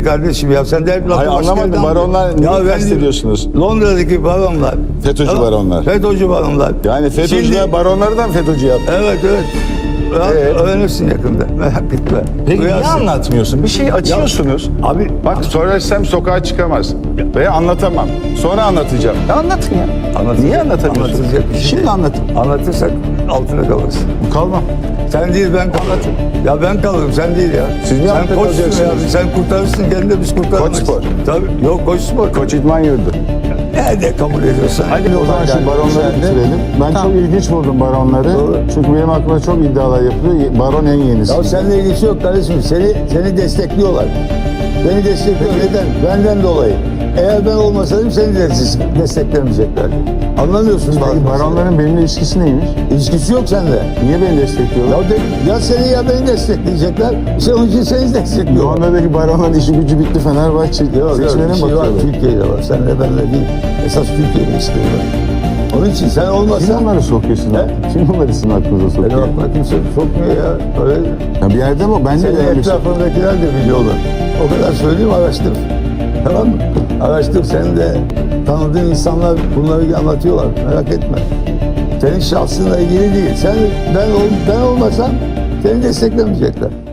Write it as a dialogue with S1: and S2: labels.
S1: kardeşim ya. Sen de hep
S2: Hayır, anlamadım. Baronlar neyi kastediyorsunuz?
S1: Londra'daki baronlar.
S2: FETÖ'cü baronlar.
S1: FETÖ'cü baronlar.
S2: Yani FETÖ'cüler
S1: Şimdi-
S2: baronları da mı FETÖ'cü yaptı?
S1: Evet. Öğrenirsin yakında. Merak etme.
S2: Peki niye
S1: Duyarsın.
S2: anlatmıyorsun? Bir şey açıyorsunuz.
S1: Abi
S2: Bak söylesem sokağa çıkamaz. Veya anlatamam. Sonra anlatacağım. Ya anlatın ya.
S1: anlatacak-
S2: Niye anlatamıyorsun?
S1: anlatılacak bir şey
S2: Şimdi
S1: değil.
S2: anlatın.
S1: Anlatırsak altına kalırsın.
S2: Kalmam.
S1: Sen değil ben kalırım. Ya ben kalırım sen değil ya.
S2: Siz niye
S1: sen
S2: altında
S1: koçsun ya.
S2: kalacaksınız?
S1: Sen kurtarırsın kendini de biz kurtaramayız.
S2: Koç spor.
S1: Tabii. Yok koç spor.
S2: Koç İdman Yurdu.
S1: Nerede kabul ediyorsan.
S2: Hadi o zaman şu baronları bitirelim. Ben çok ilginç buldum baronları.
S1: Doğru.
S2: Çünkü benim aklıma çok iddialar yapılıyor. Baron en yenisi.
S1: Ya seninle ilgisi yok kardeşim. Seni destekliyorlar. Beni destekliyor. Neden? Benden dolayı. Eğer ben olmasaydım seni de desteklemeyeceklerdi. Anlamıyorsun
S2: Peki
S1: bazı
S2: baronların benimle ilişkisi neymiş?
S1: meseleleri. İlişkisi yok sende.
S2: Niye beni destekliyorlar?
S1: Ya seni ya beni destekleyecekler. İşte onun için seni destekliyorlar.
S2: Londra'daki baronların işi gücü bitti, Fenerbahçe seçmene
S1: bir
S2: mi
S1: şey var,
S2: bakıyorlar?
S1: Türkiye'de var. Senle benle değil. Esas Türkiye'de istiyorlar. Onun için sen
S2: Kim
S1: olmasan...
S2: onları sokuyorsun?
S1: He?
S2: Kim onları sizin aklınıza
S1: Benim
S2: sokuyor?
S1: aklıma kimse sokmuyor ya. Öyle.
S2: Ya bir yerde mi? Ben de
S1: Senin
S2: öyle bir şey.
S1: etrafındakiler de biliyorlar. O kadar söyleyeyim araştır. Tamam mı? Araştır. Senin de tanıdığın insanlar bunları anlatıyorlar. Merak etme. Senin şahsınla ilgili değil. Ben olmasam seni desteklemeyecekler.